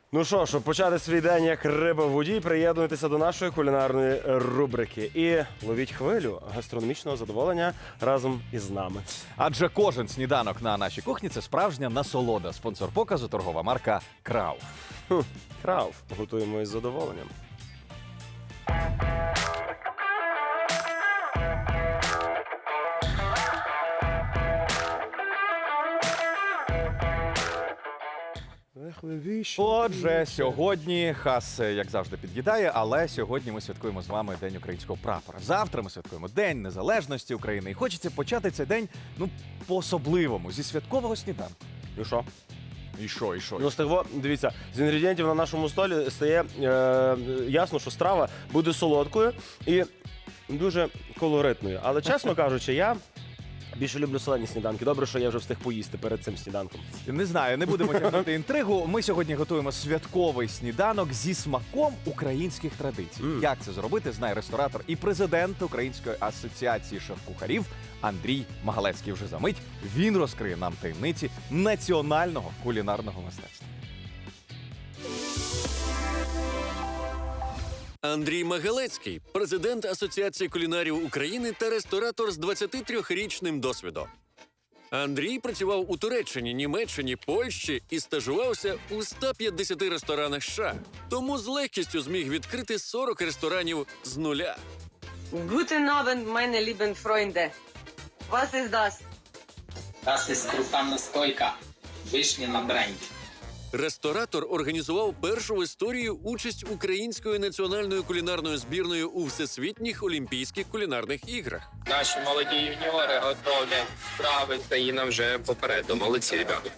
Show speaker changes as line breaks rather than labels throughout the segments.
Ну що, щоб почати свій день як риба в воді, приєднуйтеся до нашої кулінарної рубрики і ловіть хвилю гастрономічного задоволення разом із нами.
Адже кожен сніданок на нашій кухні – це справжня насолода. Спонсор показу – торгова марка «Крауф».
Крауф. Готуємо із задоволенням.
Отже, сьогодні хас, як завжди, під'їдає, але сьогодні ми святкуємо з вами День українського прапора. Завтра ми святкуємо День Незалежності України. І хочеться почати цей день, по-особливому, зі святкового сніданку.
І що?
І що, і що?
Ну, з того, дивіться, з інгредієнтів на нашому столі стає ясно, що страва буде солодкою і дуже колоритною. Але, чесно кажучи, я більше люблю солені сніданки. Добре, що я вже встиг поїсти перед цим сніданком.
Не знаю, не будемо тягнути інтригу. Ми сьогодні готуємо святковий сніданок зі смаком українських традицій. Як це зробити, знає ресторатор і президент Української асоціації шеф-кухарів Андрій Магалецький. Вже за мить він розкриє нам таємниці національного кулінарного мистецтва.
Андрій Магалецький – президент Асоціації кулінарів України та ресторатор з 23-річним досвідом. Андрій працював у Туреччині, Німеччині, Польщі і стажувався у 150 ресторанах США. Тому з легкістю зміг відкрити 40 ресторанів з нуля.
Guten Abend, meine lieben Freunde. Was ist das?
Das ist крупна настойка. Вишня на бренді.
Ресторатор організував першу в історії участь української національної кулінарної збірної у Всесвітніх Олімпійських кулінарних іграх.
Наші молоді юніори готові страви, країна вже попереду. Молодці, ребята.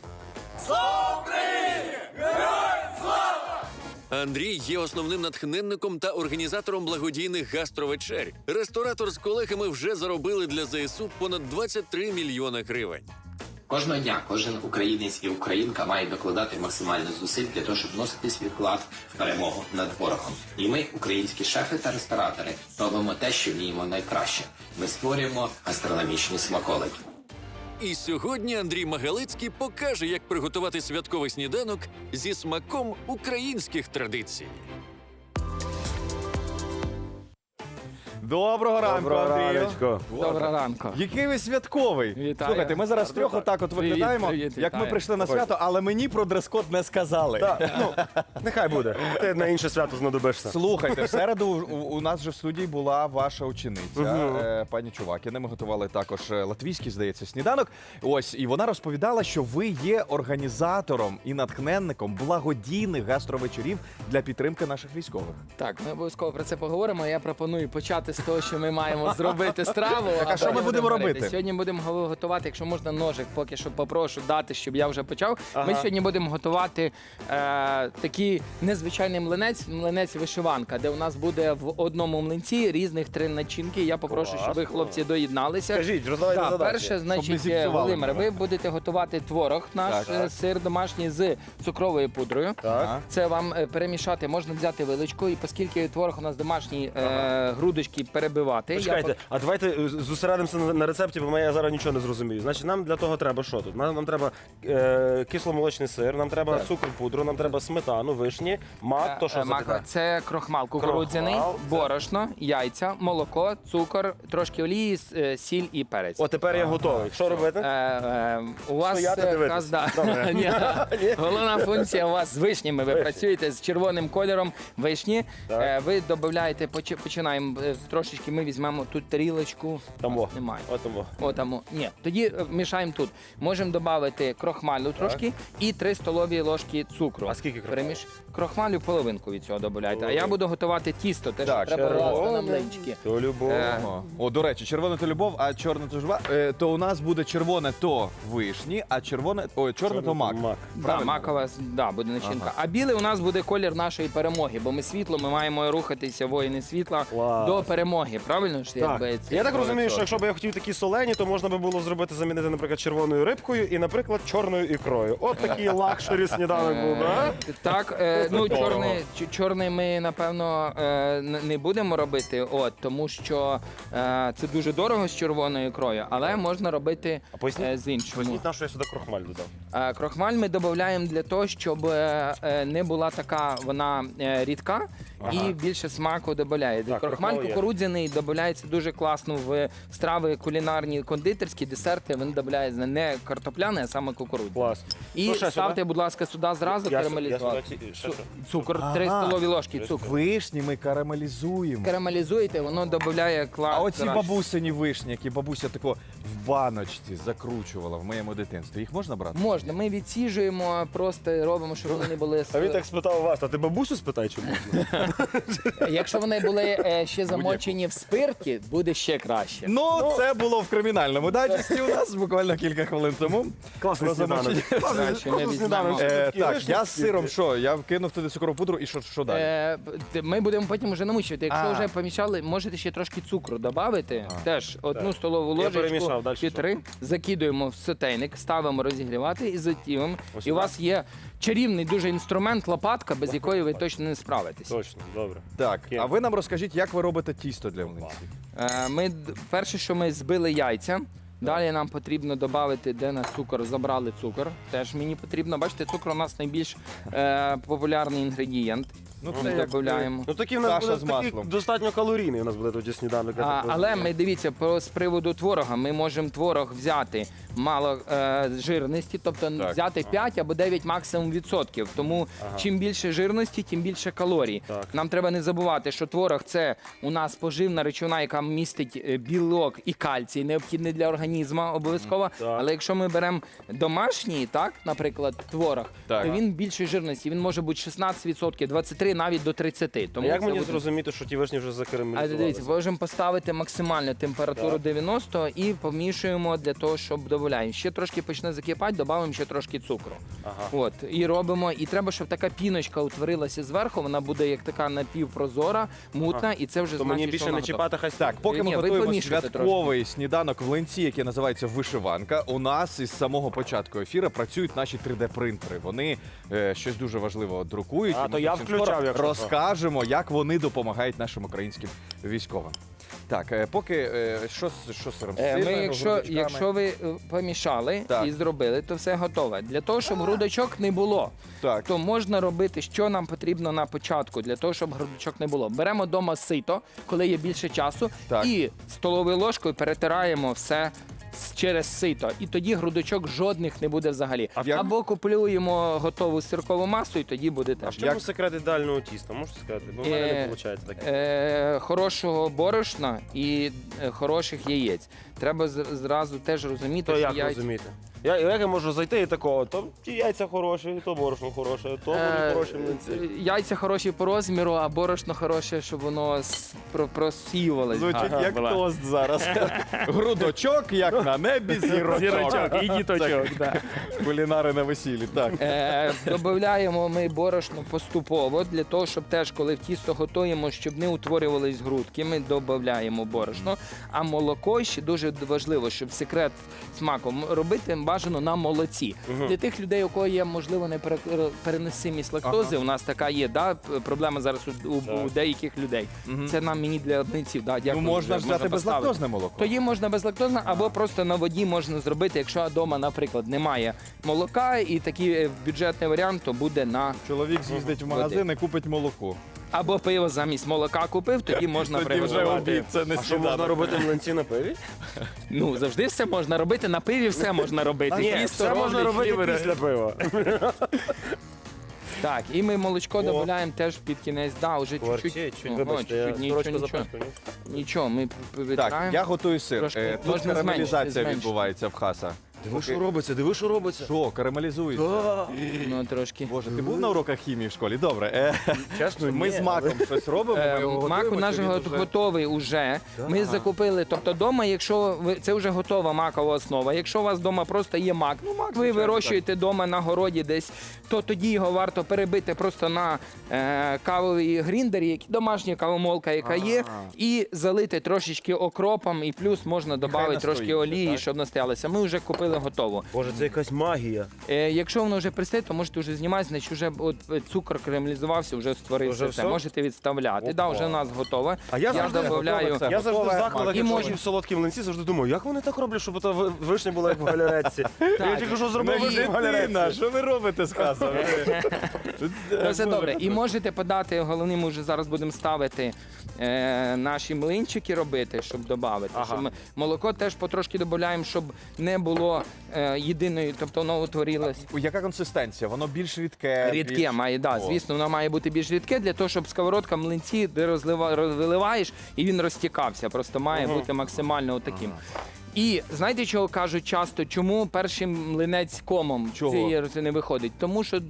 Андрій є основним натхненником та організатором благодійних гастровечер. Ресторатор з колегами вже заробили для ЗСУ понад 23 мільйони гривень.
Кожного дня кожен українець і українка має докладати максимально зусиль для того, щоб вносити свій вклад в перемогу над ворогом. І ми, українські шефи та ресторатори, робимо те, що вміємо найкраще. Ми створюємо гастрономічні смаколики.
І сьогодні Андрій Магалецький покаже, як приготувати святковий сніданок зі смаком українських традицій.
Доброго ранку, Андрію.
раночку.
Доброго ранку.
Який ви святковий.
Вітаю.
Слухайте, ми зараз трьох отак от виглядаємо,
привіт,
як ми
вітаю.
прийшли на свято, але мені про дрес-код не сказали.
Нехай буде. Ти на інше свято знадобишся.
Слухайте, в середу у нас же в студії була ваша учениця, пані Чувакіна. Ми готували також латвійський, здається, сніданок. Ось, і вона розповідала, що ви є організатором і натхненником благодійних гастровечорів для підтримки наших військових.
Так, ми обов'язково про це поговоримо. Я пропоную почати з того, що ми маємо зробити страву.
а що ми будемо робити?
Сьогодні будемо готувати, якщо можна, ножик, поки що попрошу дати, щоб я вже почав. Ми сьогодні будемо готувати такий незвичайний млинець вишиванка, де у нас буде в одному млинці різних 3 начинки. Я попрошу, щоб ви, хлопці, доєдналися.
Кажіть, роздавайте задачі.
Перше,
Щоб не
значить,
зіпсували
Володимир,
мене.
ви будете готувати творог наш, сир домашній з цукровою пудрою.
Так.
Це вам перемішати, можна взяти виличку, і оскільки творог у нас домашній, грудочки перебивати.
Почекайте, а давайте зосередимося на рецепті, бо я зараз нічого не зрозумію. Значить, нам для того треба що тут? Нам треба кисломолочний сир, нам треба цукор, пудру, нам треба сметану, вишні, мак, то що за
Мака,
таке?
це крохмал кукурудзяний,
Крохмал, це-
борошно, яйця, молоко, цукор, трошки олії, сіль і перець.
О, тепер я готовий. Що робити?
У вас
Стояти, дивитись. Добре.
Ні. Головна функція у вас з вишнями. Ви працюєте з червоним кольором вишні.
Так.
Ви додаєте, починаємо трошечки. Ми візьмемо тут тарілочку.
Там
У нас
во.
немає.
От там во.
О, там. Ні. Тоді мішаємо тут. Можемо додати крохмалю трошки і 3 столові ложки цукру.
А скільки крохмалю?
Крохмалю половинку від цього додаєте. А я буду готувати тісто, те, що
Так,
треба
червоне.
класти на млинчики.
То любов.
О, до речі, червоне то любов, а чорне то журба. То у нас буде червоне то вишні, а чорне то мак.
Да, макова буде начинка. А білий у нас буде колір нашої перемоги, бо ми світло, ми маємо рухатися, воїни світла,
Клас.
до перемоги, правильно ж?
Так.
Якби, це
Я так
було
розумію,
це.
що якщо б я хотів такі солені, то можна би було зробити, замінити, наприклад, червоною рибкою і, наприклад, чорною ікрою. От такий лакшері сніданок був, а?
Так, ну чорний ми напевно не будемо робити, тому що це дуже дорого з червоною ікрою, але можна робити
А поясніть,
з іншим.
поясніть, на що я сюди крохмаль додав.
Крохмаль ми додаємо для того, щоб не була така вона рідка і більше смаку додає.
Так,
Крохмаль
крохмал є.
кукурудзяний додається дуже класно в страви кулінарні, кондитерські, десерти. Він додається не картопляний, а саме кукурудзяний.
Клас.
І
Ну, ще
ставте,
сюди?
будь ласка, сюди зразу
Я
карамелізувати.
сюди ще що?
Цукор, 3 столові ложки цукру.
Вишні ми карамелізуємо.
Карамелізуєте, воно додає клас.
А оці бабусині вишні, які бабуся тако в баночці закручувала в моєму дитинстві, їх можна брати?
Можна, ми відсіжуємо, просто робимо, щоб вони були.
А він так спитав вас, а ти бабусю спитай, чи можна?
Якщо вони були ще замочені в спирті, буде ще краще.
Ну, це було в кримінальному дайджесті у нас буквально кілька хвилин тому.
Класний сніданок.
Краще ми візьмемо.
Так, я з сиром що? Я вкинув туди цукрову пудру і що далі?
Ми будемо потім вже намучувати. Якщо
А.
вже помішали, можете ще трошки цукру додати. Теж одну столову
Я
ложечку
перемішав, далі
чи
що?
3, закидуємо в сотейник, ставимо розігрівати і затівимо.
Ось
І у
так.
вас є чарівний дуже інструмент, лопатка, без якої ви точно не справитесь.
Точно, добре.
Так, а ви нам розкажіть, як ви робите тісто для млинців?
Перше, що ми збили яйця. Далі нам потрібно додати, де на цукор забрали цукор. Теж мені потрібно. Бачите, цукор у нас найбільш популярний інгредієнт.
Ну,
Ми
це як
додаємо.
Ну такий в нас
Каша
буде
з
такий
маслом.
достатньо калорійний у нас буде тоді сніданок. я так
Але
розумію.
ми дивіться, з приводу творога, ми можемо творог взяти мало жирності, тобто взяти 5 або 9 максимум відсотків. Тому чим більше жирності, тим більше калорій.
Так.
Нам треба не забувати, що творог це у нас поживна речовина, яка містить білок і кальцій, необхідний для організму обов'язково.
Так.
Але якщо ми беремо домашній, так, наприклад, творог,
Так.
то він більшої жирності. Він може бути 16%, 23%, навіть до 30%.
А
Тому
як
це
мені
буде-
зрозуміти, що ті вишні вже
а
закарамелізувалися?
дивіться, можемо поставити максимальну температуру
Так.
90 і помішуємо для того, щоб додаємо. Ще трошки почне закипати, додаємо ще трошки цукру.
Ага.
От, і робимо. І треба, щоб така піночка утворилася зверху, вона буде як така напівпрозора, мутна, і це вже
То
значить,
мені більше
що
не
вона готова.
чіпати, хай
Так, поки
Ні,
ми
ви
готуємо
помішуйте
святковий сніданок в млинці, який називається вишиванка, у нас із самого початку ефіру працюють наші 3D-принтери. Вони щось дуже важливе друкують.
А,
і ми
то я
зовсім
включав,
скоро
якщо що.
розкажемо, як вони допомагають нашим українським військовим. Так, поки що з сиром?
Ми,
Сирною, грудочками?
якщо ви помішали
Так.
і зробили, то все готове. Для того, щоб грудочок не було,
Так.
то можна робити, що нам потрібно на початку, для того, щоб грудочок не було. Беремо вдома сито, коли є більше часу,
Так.
і столовою ложкою перетираємо все через сито. І тоді грудочок жодних не буде взагалі.
як-
Або купуємо готову сиркову масу, і тоді буде
А
теж.
в чому секрет ідеального тіста? Можете сказати? Бо в мене не виходить таке.
Хорошого борошна і хороших яєць. Треба зразу теж розуміти,
То
що
як
яйця...
розуміти? Як я можу зайти і такого, то ті яйця хороші, то борошно хороше, то будуть хороші млинці.
Яйця хороші по розміру, а борошно хороше, щоб воно просіювалось.
Звучить
гарно.
як тост зараз. Грудочок, як на небі, зірочок.
і діточок. Да.
Кулінари на весіллі. Так.
Додаємо ми борошно поступово, для того, щоб теж, коли в тісто готуємо, щоб не утворювались грудки, ми додаємо борошно. А молоко ще дуже важливо, щоб секрет смаку робити бажано на молоці. Для тих людей, у кого є, можливо, непереносимість лактози, у нас така є, проблема зараз у деяких людей. Це мені для млинців. Да,
Ну,
дякую,
можна
вже,
ж взяти
поставити.
безлактозне молоко.
Тоді можна безлактозне, або просто на воді можна зробити, якщо вдома, наприклад, немає молока, і такий бюджетний варіант, то буде на
Чоловік з'їздить в магазин і купить молоко.
або пиво замість молока купив, тоді можна
Тоді вже
приготувати.
обід, це не
А що можна робити млинці на пиві?
Ну завжди все можна робити. На пиві все можна робити.
Ні,
Тісто
все можна
роблять,
робити
флівери.
після пива.
Так, і ми молочко додаємо теж під кінець. Да, уже
Кварчить,
чуть-чуть.
чуть,
Ого,
вибачте, я
чуть-чуть,
сорочку
нічого.
запачкав.
Нічого, ми
Так,
витираємо.
я готую сир.
Трошки
Тут
можна
карамелізація
зменшити.
відбувається в хаса.
Диви, що робиться, диви, що робиться.
Що, карамелізується?
Ну, трошки.
Боже, ти був на уроках хімії в школі? Добре.
Чесно,
Ми
ні,
з маком щось робимо, ми його
Мак
готуємо.
у нас
чи він уже-
готовий уже. Ми закупили, тобто вдома, якщо це вже готова макова основа. Якщо у вас вдома просто є мак, ви
звичайно,
вирощуєте вдома на городі десь, то тоді його варто перебити просто на кавовій гріндері, які домашня кавомолка, яка є, і залити трошечки окропом, і плюс можна додати трошки
настоїться,
олії,
так?
щоб настоялося. Ми вже купили готово.
Боже, це якась магія.
Якщо воно вже пристає, то можете вже знімати, значить вже от цукор карамелізувався, вже створився
Вже
все.
все?
Можете відставляти.
Опа.
Да, вже у нас готове.
А я завжди
добавляю.
готове
Я завжди в
Готове,
закладах,
і
якщо
може-
їм солодкі млинці, завжди думаю, як вони так роблять, щоб та вишня була як в галеретці. Я тільки що зробив
Ну,
вишню в галеретці.
Що ви робите з хасами?
Ну, все добре. І можете подати, головне, ми вже зараз будемо ставити наші млинчики робити, щоб додати.
Ага.
Щоб молоко теж потрошки додаємо, щоб не було єдиної, тобто воно утворилось.
Яка консистенція? Воно більш рідке?
Рідке
більш-
має, да,
О.
звісно, воно має бути більш рідке для того, щоб сковородка млинці ти виливаєш і він розтікався. Просто має бути максимально отаким. І знаєте, чого кажуть часто? Чому перший млинець комом
Чого?
цієї роси не виходить? Тому що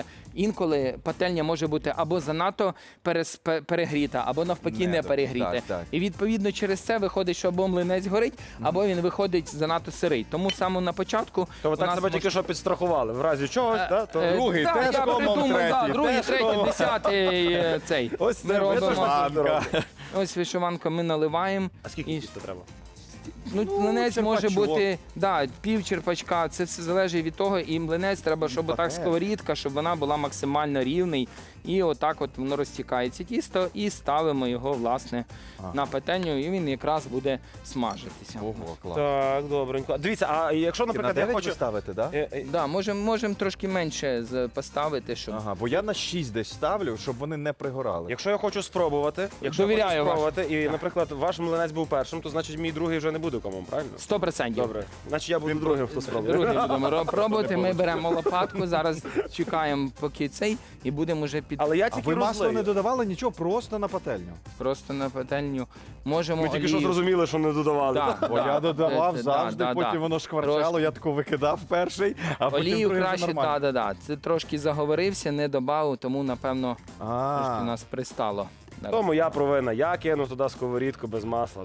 інколи пательня може бути або занадто перегріта, або навпаки не
Недо.
перегріта.
Так, так.
І відповідно через це виходить, що або млинець горить, або він виходить занадто сирий. Тому саме на початку
То ви
у
так
нас
себе тільки що підстрахували. В разі чогось, то
другий
так,
теж
я
комом,
придумав,
третій
другий,
теж
третій,
комом.
10-й цей.
Ось
Ми
це
робимо.
вишиванка.
Ось вишиванку ми наливаємо.
А скільки
І-
тіста треба?
Ну, млинець може
черпачок.
бути пів черпачка. Це все залежить від того. І млинець треба, щоб отак сковорідка, щоб вона була максимально рівний. І отак от воно розтікається тісто, і ставимо його власне на пательню, і він якраз буде смажитися.
Ого, клас.
Так, добренько. Дивіться, а якщо,
На
наприклад, я
9
хочу...
ви ставите, так?
Да, можемо трошки менше поставити, щоб
Ага, бо я на 6 десь ставлю, щоб вони не пригорали.
Якщо я хочу спробувати,
Довіряю
і, наприклад, ваш млинець був першим, то значить мій другий вже не буде комом, правильно?
100%.
Добре. Значить я буду другим, хто спробує.
Другий будемо пробувати. Ми беремо лопатку, зараз чекаємо, поки цей, і будемо вже під
Але я
А
тільки
ви масло
розлию.
не додавали нічого, просто на пательню.
просто на пательню. Можемо
Ми тільки що
олію.
зрозуміли, що не додавали.
Да,
Бо
да.
я додавав
Да,
завжди,
да,
потім
да.
воно шкварчало, я таку викидав перший, а потім
Олію
другий вже
краще,
нормально.
да. Це трошки заговорився, не додав, тому напевно трошки
А,
нас пристало.
То моя провина. Я кинув туди сковорідку без масла.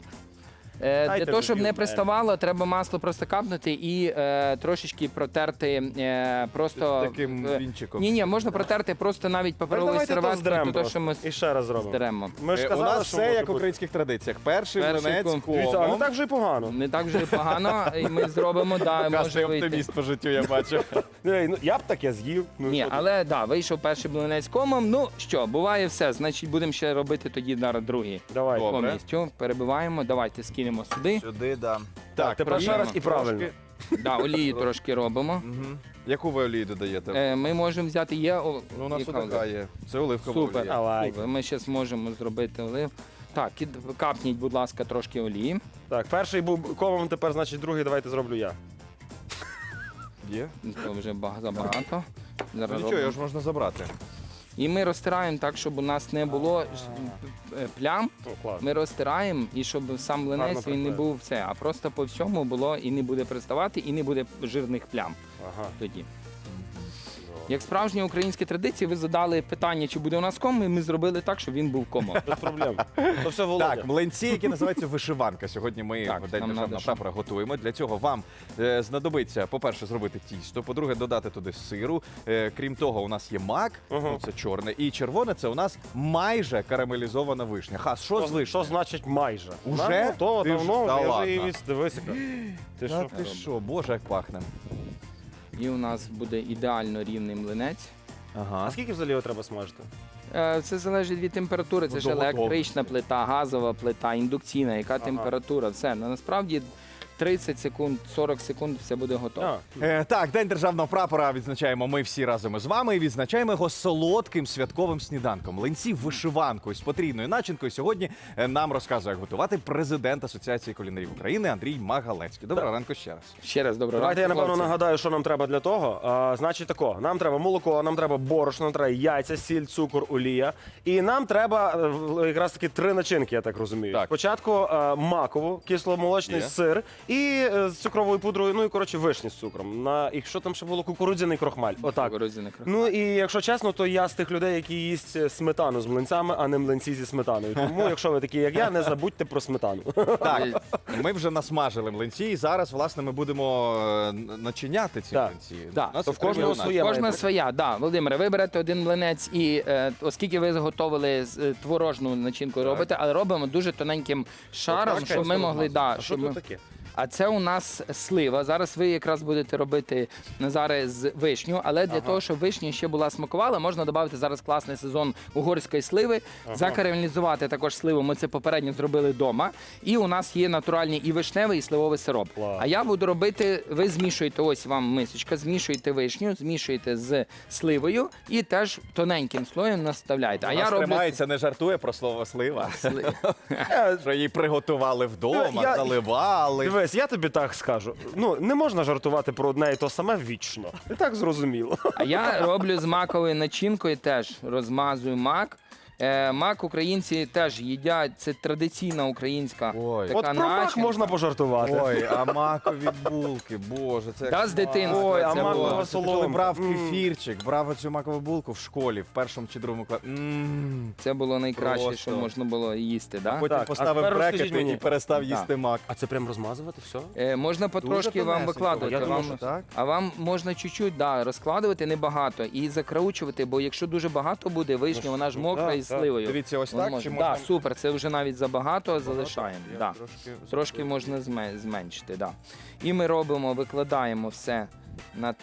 Для
Дайте
того, щоб
тоді
не
в
приставало, треба масло просто капнути і трошечки протерти просто
таким вінчиком.
Ні, можна протерти просто навіть паперовою
Давайте то
серветкою,
здеремо
то, що ми
просто. І ще раз зробимо.
здеремо.
Ми ж
У
казали,
нас
що
все
може
як в
бути.
українських традиціях. Перший
Перший
млинець
ком.
Дивіться, а не
комом.
так вже й погано.
Не так вже і погано, і ми зробимо, да,
Кастий
може вийти.
оптиміст по життю, я бачу.
Ну, я б таке з'їв. Ну,
Ні,
що ти?
але да, вийшов перший блинець комом. Ну що, буває все. Значить, будемо ще робити тоді зараз другий.
Давай.
Добре.
Повністю перебиваємо. Давайте скинемо сюди.
Сюди, да.
Так, тепер ще раз і правильно.
Да, олії трошки робимо.
Угу. Яку ви олію додаєте?
Ми можемо взяти
Ну, у нас
яка
така є. Це оливкова
Супер.
олія.
Давай.
Супер. Ми зараз можемо зробити олив. Так, капніть, будь ласка, трошки олії.
Так, перший був комом, тепер, значить, другий давайте зроблю я.
Є?
Це вже забагато.
Ну,
Зараз
нічого,
робимо.
його ж можна забрати.
І ми розтираємо так, щоб у нас не було плям.
О, клас.
Ми розтираємо, і щоб сам
Гарно
млинець він не
приклеїв.
був все, а просто по всьому було і не буде приставати, і не буде жирних плям
Ага.
тоді. Як справжні українські традиції, ви задали питання, чи буде у нас ком, і ми зробили так, щоб він був комом.
Без проблем. То все Володя.
Так, млинці, які називаються вишиванка. Сьогодні ми
Так,
в День
нам
державного
надо,
прапора готуємо. Для цього вам знадобиться, по-перше, зробити тісто, по-друге, додати туди сиру. Крім того, у нас є мак, ну, це чорне, і червоне це у нас майже карамелізована вишня. Хас, що з
Що
вишня?
значить майже?
Уже?
Вона готова
Ти ж-
давно,
Та
я
ладно.
вже її висипав. Ти
Та
що?
ти що, боже, як пахне.
І у нас буде ідеально рівний млинець.
Ага.
А скільки взагалі його треба смажити?
Це залежить від температури. Це
Ну,
ж
до
електрична плита, газова плита, індукційна, яка температура. Все. Насправді 30 секунд, 40 секунд все буде готово.
Так, День державного прапора відзначаємо ми всі разом із вами і відзначаємо його солодким святковим сніданком. Млинці вишиванкою з потрійною начинкою сьогодні нам розказує, як готувати президент Асоціації кулінарів України Андрій Магалецький. Доброго ранку ще раз.
Ще раз доброго
Давайте я,
ранку,
напевно,
хлопці.
нагадаю, що нам треба для того. Значить тако, нам треба молоко, нам треба борошно, нам треба яйця, сіль, цукор, олія. І нам треба якраз таки 3 начинки, я так розумію.
Так.
Спочатку макову, кисломолочний
Є.
сир І з цукровою пудрою, ну і коротше вишні з цукром. І що там ще було? Кукурудзяний крохмаль. Отак.
Кукурудзяний крохмаль.
Ну і якщо чесно, то я з тих людей, які їсть сметану з млинцями, а не млинці зі сметаною. Тому, якщо ви такі, як я, не забудьте про сметану.
Так, ми вже насмажили млинці, і зараз, власне, ми будемо начиняти ці
Так.
млинці.
Так.
У нас
То
є
в кожного
три
своє.
Кожна
має бути.
своя, да. Володимире, ви берете один млинець і оскільки ви заготовили творожну начинку робите, але робимо дуже тоненьким шаром,
Отак,
щоб ми
просто
могли. Да,
А що
щоб ми...
тут таке?
А це у нас слива. Зараз ви якраз будете робити Назаре з вишню, але для того, щоб вишня ще була смакувала, можна додати зараз класний сезон угорської сливи, закарамелізувати також сливу. Ми це попередньо зробили вдома. І у нас є натуральний і вишневий, і сливовий сироп.
Клас.
А я буду робити, ви змішуєте, ось вам мисочка, змішуєте вишню, змішуєте з сливою і теж тоненьким слоєм наставляєте. А
У
я
нас
роблю
тримається, не жартує про слово слива.
сли-
Що її приготували вдома,
Я-
заливали.
Дивись, я тобі так скажу. Ну, не можна жартувати про одне і то саме вічно. І так зрозуміло.
А я роблю з маковою начинкою, теж розмазую мак. Мак українці теж їдять, це традиційна українська
Ой.
така
От про мак
начинка.
можна пожартувати.
Ой, а макові булки, боже, це
Да, з дитинства
Ой, а
це
макова
було.
Це коли
соломка.
брав кефірчик, брав цю макову булку в школі, в першому чи другому класі.
Це було найкраще,
Просто.
що можна було їсти. Да?
Потім
Так, а
поставив
тепер
брекети
розкажіть мені.
і перестав їсти мак.
А це прям розмазувати все?
Можна потрошки вам
тонесенько.
викладувати.
Я думав,
вам-
що
так.
А вам можна чуть-чуть розкладувати небагато і закраучувати, бо якщо дуже багато буде, вишня, вона ж мокра
да,
із
так.
сливою.
Дивіться, ось
Воно
так,
може-
чи
Да,
можна-
супер, це вже навіть забагато, залишаємо.
Я
Да. Трошки можна зменшити, да. І ми робимо, викладаємо все на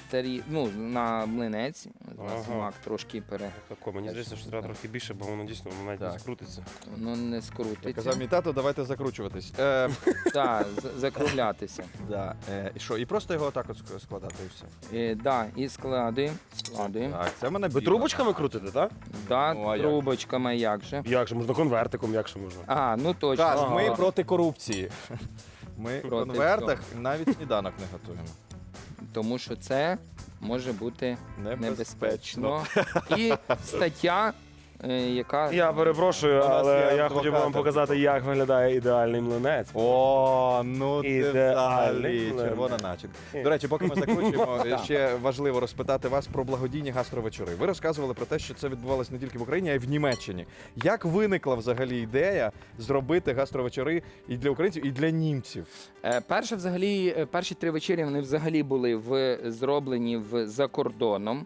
на млинець. У нас
Ага.
мак трошки
Тако, мені здається, що треба трохи більше, бо воно дійсно воно навіть не
Так.
скрутиться.
воно не скрутиться.
Казав мій тато, давайте закручуватись.
Так, закруглятися.
Да. І що, і просто його отак от складати і все.
Да, і складуємо.
Так, це в мене
Ви
біла.
трубочками крутите, так?
Да,
Ну, а як?
трубочками, як же.
Як же можна конвертиком, як же можна?
А, ну точно.
Каз, ми
Ага.
проти корупції. Ми в
Проти
конвертах навіть сніданок не готуємо.
Тому що це може бути
Небезпечно.
небезпечно. І стаття, яка
Я перепрошую,
У нас
але
є
я хотів би вам
адвокат.
показати, як виглядає ідеальний млинець.
О, ну ти
Ідеальний
взагалі
млинець.
червона начинка. До речі, поки ми закручуємо, ще важливо розпитати вас про благодійні гастровечори. Ви розказували про те, що це відбувалося не тільки в Україні, а й в Німеччині. Як виникла взагалі ідея зробити гастровечори і для українців, і для німців?
перші 3 вечері вони взагалі були зроблені за кордоном.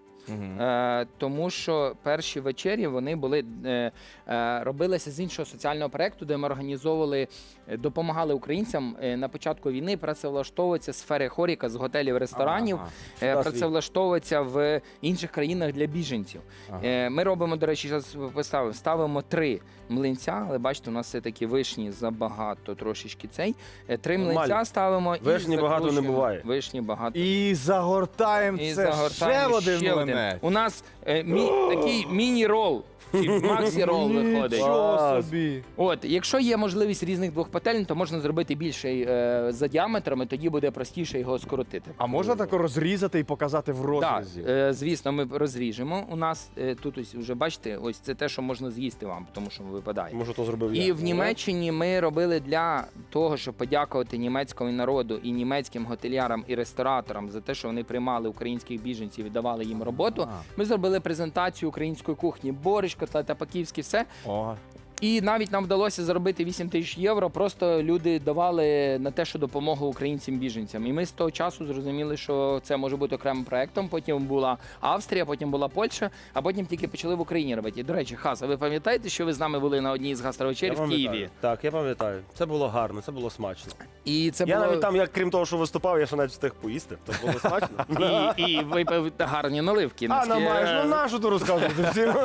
Тому що перші вечері вони були робилися з іншого соціального проєкту, де ми організовували, допомагали українцям на початку війни працевлаштовуватися сфери хоріка з готелів, ресторанів, працевлаштовуватися в інших країнах для біженців. Ми робимо, до речі, зараз ставимо 3 млинця, але бачите, у нас все таки вишні забагато, трошечки цей. 3 млинця
Нормально.
ставимо і
Вишні багато не
закручуємо.
буває.
Вишні багато.
І загортаємо
І
це
загортаємо
ще один
ще
млинець.
У нас такий міні-рол, чи максі-рол виходить.
Нічого
Клас.
собі.
От, якщо є можливість різних 2 пательень, то можна зробити більший за діаметрами, тоді буде простіше його скоротити.
А можна так розрізати і показати в
Так,
розрізі?
звісно, ми розріжемо. У нас тут ось вже бачите, ось це те, що можна з'їсти вам, тому що випадає.
Може, то зробив я.
І в Німеччині ми робили для того, щоб подякувати німецькому народу і німецьким готелярам і рестораторам за те, що вони приймали українських біженців і давали їм роботу. Ми зробили презентацію української кухні, борщ, котлета по-київськи, все.
О,
І навіть нам вдалося заробити 8 тисяч євро. Просто люди давали на те, що допомогу українцям-біженцям. І ми з того часу зрозуміли, що це може бути окремим проектом. Потім була Австрія, потім була Польща, а потім тільки почали в Україні робити. І, до речі, Хаса, ви пам'ятаєте, що ви з нами були на одній з гастровечерів в Києві?
Так, я пам'ятаю. Це було гарно, це було смачно.
І це
Я
було...
навіть там, як крім того, що виступав, я ще навіть встиг поїсти. То було смачно.
І випив гарні наливки.
А,
Наскільки-
намаєш, ну нашу то розказувати всім.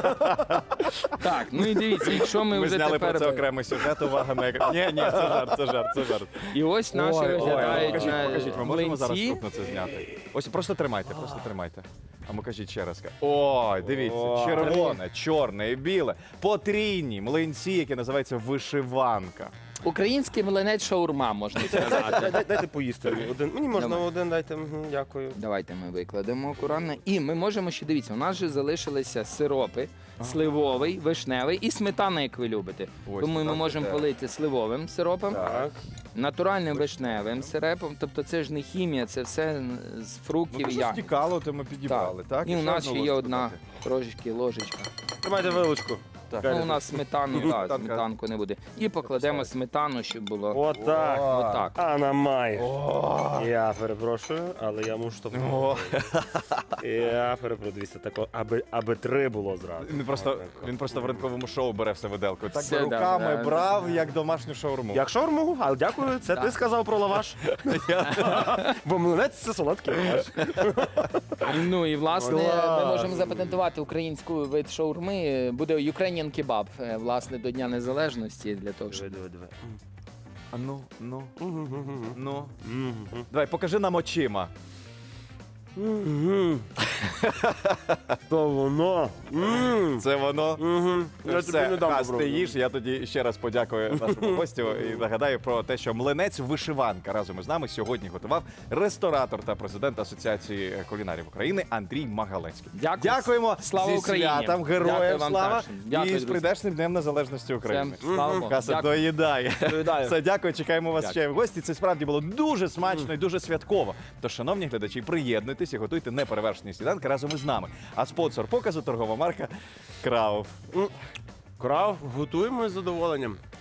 Так, ну і дивіться, якщо ми
ми
вже
зняли
тепер...
про це окремий сюжет, увага на екран. Ні, це жарт, це жарт, це жарт.
І ось наші виглядають
покажіть, ми можемо зараз
млинці.
крупно це зняти. Ось просто тримайте. А ми кажіть ще раз. Ой, дивіться, червоне, чорне і біле. Потрійні млинці, які називаються вишиванка.
Український млинець шаурма, можна сказати.
Дайте поїсти один. Мені можна
Давай.
один, дайте. Мгм, дякую.
Давайте ми викладемо акуратно. І ми можемо ще, дивіться, у нас же залишилися сиропи, сливовий, вишневий і сметана, як ви любите.
Ось,
Тому ми
так,
можемо
так.
полити сливовим сиропом.
Так.
натуральним вишневим сиропом. Тобто це ж не хімія, це все з фруктів і
Що
ягід.
стікало, то ми підібрали, так?
І у
ще
нас
одну
ще є
ложку
одна
додати.
трошечки ложечка.
Тримайте вилочку.
Так.
Ну, у нас сметану, так,
Сметанка.
сметанку не буде. І покладемо сметану, щоб було
Отак.
отак.
Анна має. Я перепрошую, але я мушу то. Я перепрошую, дивіться, тако, аби 3 було зразу.
Він просто в ранковому шоу бере все виделкою. Так
Все,
би руками
да.
брав, як домашню шаурму.
Як шаурму, але дякую, це ти сказав про лаваш. Бо млинець це солодкий лаваш.
Ну і власне
Клас.
ми можемо запатентувати українську вид шаурми. Буде Ukrainian кебаб, власне, до Дня Незалежності для того, щоб
Диви.
А ну. Давай, покажи нам очима.
То воно.
Це воно.
Я тобі
Все,
не дам
Хас, ти
попробувати.
їж. Я тоді ще раз подякую нашому гостю і нагадаю про те, що млинець вишиванка разом із нами сьогодні готував ресторатор та президент Асоціації кулінарів України Андрій Магалецький.
Дякую.
Дякуємо.
Слава
Зі
Україні.
святом,
Дякую
героям
вам
слава.
також. Дякую,
І з
друзі.
прийдешним Днем Незалежності України.
Всем слава Богу.
Хаса
Дякую.
доїдає.
Доїдаю.
Все, дякую, чекаємо вас
Дякую.
ще в гості. Це справді було дуже смачно і дуже святково. Тож, шановні глядачі, приєднуйтесь і готуйте неперевершені сніданки разом із нами. А спонсор показу торгова марка Крауф.
Крав, готуємо з задоволенням.